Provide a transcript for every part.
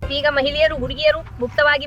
ಈಗ ಮಹಿಳೆಯರು ಹುಡುಗಿಯರು ಮುಕ್ತವಾಗಿ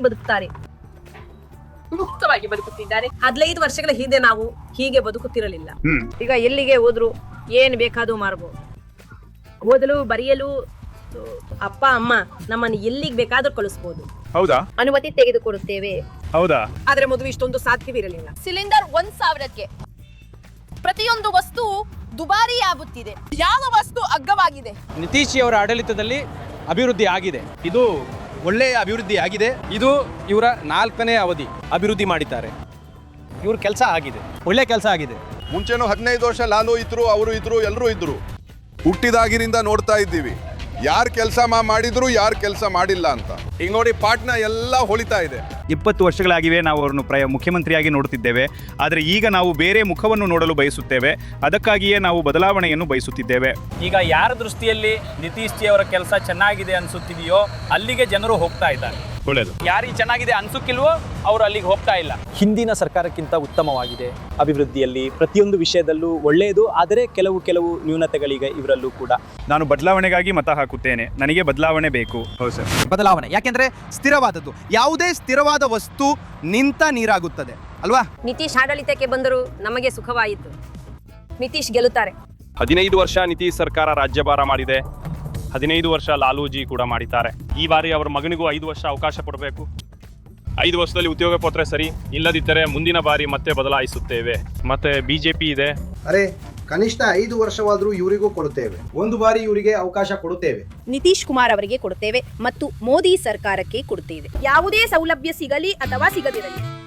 ಬದುಕುತ್ತಿದ್ದಾರೆ 15 ವರ್ಷಗಳ ಹಿಂದೆ ನಾವು ಹೀಗೆ ಬದುಕುತ್ತಿರಲಿಲ್ಲ. ಈಗ ಎಲ್ಲಿಗೆ ಹೋದ್ರು ಏನ್ ಬೇಕಾದ್ರೂ ಮಾರಬಹುದು. ಓದಲು ಬರೆಯಲು ಅಪ್ಪ ಅಮ್ಮ ನಮ್ಮನ್ನು ಎಲ್ಲಿಗೆ ಬೇಕಾದ್ರೂ ಕಳಿಸಬಹುದು. ಹೌದಾ? ಅನುಮತಿ ತೆಗೆದುಕೊಡುತ್ತೇವೆ. ಹೌದಾ? ಆದ್ರೆ ಮೊದಲು ಇಷ್ಟೊಂದು ಸಾಧ್ಯವಿರಲಿಲ್ಲ. ಸಿಲಿಂಡರ್ 1000ಕ್ಕೆ ಪ್ರತಿಯೊಂದು ವಸ್ತು ದುಬಾರಿ ಆಗುತ್ತಿದೆ. ಯಾವ ವಸ್ತು ಅಗ್ಗವಾಗಿದೆ? ನಿತೀಶ್ ಅವರ ಆಡಳಿತದಲ್ಲಿ ಅಭಿವೃದ್ಧಿ ಆಗಿದೆ. ಇದು ಒಳ್ಳೆಯ ಅಭಿವೃದ್ಧಿ ಆಗಿದೆ. ಇದು ಇವರ 4ನೇ ಅವಧಿ ಅಭಿವೃದ್ಧಿ ಮಾಡಿದ್ದಾರೆ. ಇವ್ರ ಕೆಲಸ ಆಗಿದೆ, ಒಳ್ಳೆ ಕೆಲಸ ಆಗಿದೆ. ಮುಂಚೆನೂ 15 ವರ್ಷ ನಾನು ಇದ್ರು, ಅವರು ಇದ್ರು, ಎಲ್ಲರೂ ಇದ್ರು. ಹುಟ್ಟಿದಾಗಿನಿಂದ ನೋಡ್ತಾ ಇದ್ದೀವಿ ಯಾರು ಕೆಲಸ ಮಾಡಿದ್ರು, ಯಾರು ಕೆಲಸ ಮಾಡಿಲ್ಲ ಅಂತ. ಈಗ ನೋಡಿ ಪಾಟ್ನ ಎಲ್ಲ ಹೊಳಿತಾ ಇದೆ. 20 ವರ್ಷಗಳಾಗಿವೆ ನಾವು ಅವರನ್ನು ಮುಖ್ಯಮಂತ್ರಿಯಾಗಿ ನೋಡುತ್ತಿದ್ದೇವೆ. ಆದರೆ ಈಗ ನಾವು ಬೇರೆ ಮುಖವನ್ನು ನೋಡಲು ಬಯಸುತ್ತೇವೆ. ಅದಕ್ಕಾಗಿಯೇ ನಾವು ಬದಲಾವಣೆಯನ್ನು ಬಯಸುತ್ತಿದ್ದೇವೆ. ಈಗ ಯಾರ ದೃಷ್ಟಿಯಲ್ಲಿ ನಿತೀಶ್ ಜಿ ಅವರ ಕೆಲಸ ಚೆನ್ನಾಗಿದೆ ಅನ್ಸುತ್ತಿದೆಯೋ ಅಲ್ಲಿಗೆ ಜನರು ಹೋಗ್ತಾ ಇದ್ದಾರೆ. ಒಳ್ಳೆಯದು. ಯಾರಿಗೆ ಚೆನ್ನಾಗಿದೆ ಅನ್ಸುಕ್ಕಿಲ್ವೋ ಅವರು ಅಲ್ಲಿಗೆ ಹೋಗ್ತಾ ಇಲ್ಲ. ಹಿಂದಿನ ಸರ್ಕಾರಕ್ಕಿಂತ ಉತ್ತಮವಾಗಿದೆ. ಅಭಿವೃದ್ಧಿಯಲ್ಲಿ ಪ್ರತಿಯೊಂದು ವಿಷಯದಲ್ಲೂ ಒಳ್ಳೆಯದು, ಆದರೆ ಕೆಲವು ನ್ಯೂನತೆಗಳೀಗ ಇವರಲ್ಲೂ ಕೂಡ. ನಾನು ಬದಲಾವಣೆಗಾಗಿ ಮತ ಹಾಕುತ್ತೇನೆ. ನನಗೆ ಬದಲಾವಣೆ ಬೇಕು. ಹೌದು ಸರ್, ಬದಲಾವಣೆ ಯಾಕೆಂದ್ರೆ ಸ್ಥಿರವಾದದ್ದು. ಯಾವುದೇ ಸ್ಥಿರವಾದ ವಸ್ತು ನಿಂತ ನೀರಾಗುತ್ತದೆ ಅಲ್ವಾ? ನಿತೀಶ್ ಆಡಳಿತಕ್ಕೆ ಬಂದರೂ ನಮಗೆ ಸುಖವಾಯಿತು. ನಿತೀಶ್ ಗೆಲ್ಲುತ್ತಾರೆ. 15 ವರ್ಷ ನಿತೀಶ್ ಸರ್ಕಾರ ರಾಜ್ಯಭಾರ ಮಾಡಿದೆ. 15 ವರ್ಷ ಲಾಲೂಜಿ ಕೂಡ ಮಾಡಿದ್ದಾರೆ. ಈ ಬಾರಿ ಅವರ ಮಗನಿಗೂ 5 ವರ್ಷ ಅವಕಾಶ ಕೊಡಬೇಕು. 5 ವರ್ಷದಲ್ಲಿ ಉದ್ಯೋಗ ಕೊಟ್ಟರೆ ಸರಿ, ಇಲ್ಲದಿದ್ದರೆ ಮುಂದಿನ ಬಾರಿ ಮತ್ತೆ ಬದಲಾಯಿಸುತ್ತೇವೆ. ಮತ್ತೆ ಬಿಜೆಪಿ ಇದೆ. ಅರೆ ಕನಿಷ್ಠ 5 ವರ್ಷವಾದರೂ ಇವರಿಗೂ ಕೊಡುತ್ತೇವೆ. ಒಂದು ಬಾರಿ ಇವರಿಗೆ ಅವಕಾಶ ಕೊಡುತ್ತೇವೆ. ನಿತೀಶ್ ಕುಮಾರ್ ಅವರಿಗೆ ಕೊಡುತ್ತೇವೆ ಮತ್ತು ಮೋದಿ ಸರ್ಕಾರಕ್ಕೆ ಕೊಡುತ್ತೇವೆ. ಯಾವುದೇ ಸೌಲಭ್ಯ ಸಿಗಲಿ ಅಥವಾ ಸಿಗದಿರಲಿ